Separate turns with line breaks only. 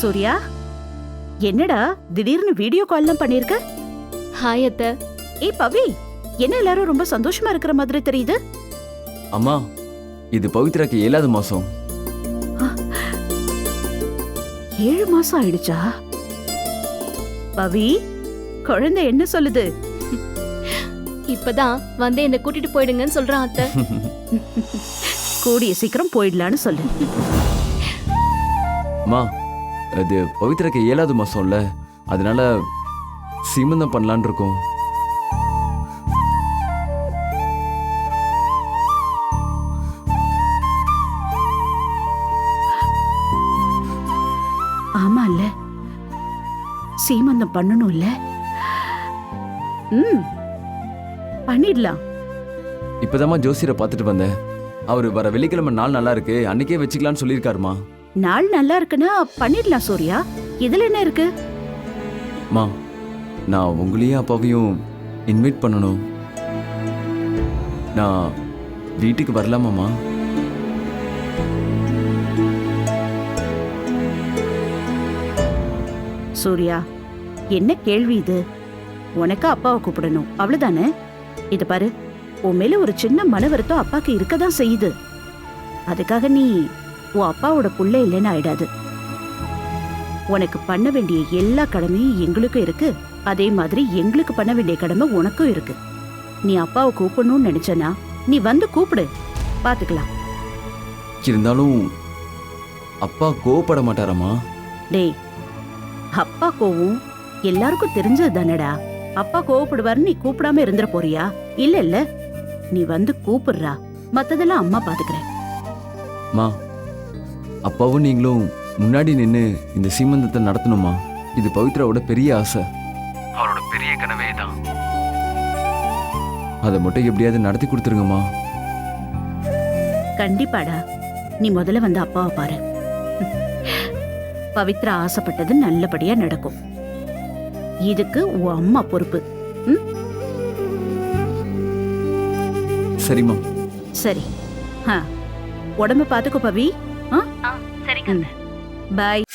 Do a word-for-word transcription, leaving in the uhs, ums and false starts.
சூர்யா, என்னடா திடீர்னு வீடியோ கால்லாம் பண்ணிருக்க?
ஹாய் அத்தை.
ஏய் பவி, என்ன எல்லாரும் ரொம்ப சந்தோஷமா இருக்கிற மாதிரி தெரியுது?
அம்மா, இது பவித்ராக்கு ஏழாவது மாசம்.
ஏழு மாசம் ஆயிடுச்சா? பவி, குழந்தை என்ன சொல்லுது?
இப்பதான் வந்து என்ன கூட்டிட்டு போயிடுங்கன்னு சொல்றான் அத்தை.
கூடிய சீக்கிரம் போயிடலான்னு சொல்லு.
அம்மா, அது பவித்ராக்கு ஏழாவது மாசம்ல, அதனால சீமந்தம் பண்ணலான் இருக்கோம்.
ஆமா இல்ல, சீமந்தம் பண்ணணும் இல்ல? ம், பண்ணிடலாம்.
இப்பதாம்மா ஜோசியரை பார்த்துட்டு வந்தேன். அவரு வர வெள்ளிக்கிழமை நாள் நல்லா இருக்கு, அன்னைக்கே வச்சுக்கலாம்னு சொல்லியிருக்காருமா.
நாள் நல்லா இருக்குன்னா பண்ணிடலாம் சூர்யா, இதுல என்ன இருக்கு?
மா, நான் உங்களையும் அப்பாவையும் இன்வைட் பண்ணணும். நான் வீட்டுக்கு வரலாமாம்மா?
சூர்யா, என்ன கேள்வி இது? உனக்கு அப்பாவை கூப்பிடணும் அவ்வளவுதானே? இத பாரு, உன் மேல ஒரு சின்ன மன வருத்தம் அப்பாக்கு இருக்கதான் செய்யுது. அதுக்காக நீ உன் அப்பாவோட புள்ள இல்லைன்னு ஆயிடாது. உனக்கு பண்ண வேண்டிய எல்லா கடமையும் எங்களுக்கும் இருக்கு, அதே மாதிரி எங்களுக்கு பண்ண வேண்டிய கடமை உனக்கும் இருக்கு. நீ அப்பாவை கூப்பிடணும்னு நினைச்சனா நீ வந்து கூப்பிடு, பாத்துக்கலாம்.
இருந்தாலும் அப்பா கோவப்பட மாட்டாரம்மா?
டேய், அப்பா கோவம் எல்லாருக்கும் தெரிஞ்சது தானடா. அப்பா கோவப்படுவாருன்னு நீ கூப்பிடாம இருந்துட போறியா? இல்ல இல்ல, நீ வந்து கூப்பிடுறா, மத்ததெல்லாம் அம்மா பாத்துக்கிறேன்.
மா, அப்பாவும் நீங்களும் முன்னாடி நின்று இந்த சீமந்தத்தை நடத்தணுமா? இது பவித்ராவோட பெரிய ஆசை, அவரோட பெரிய கனவே தான். அதை மட்டும் எப்படியாவது நடத்தி கொடுத்துருங்கம்மா.
கண்டிப்பாடா, நீ முதல்ல வந்து அப்பாவை பாரு. பவித்ரா ஆசைப்பட்டது நல்லபடியா நடக்கும். இதுக்கு உன் அம்மா பொறுப்பு. ம்?
சரிம்மா.
சரி. உடம்ப பாத்துக்கோ பவி.
சரிங்க.
பாய்.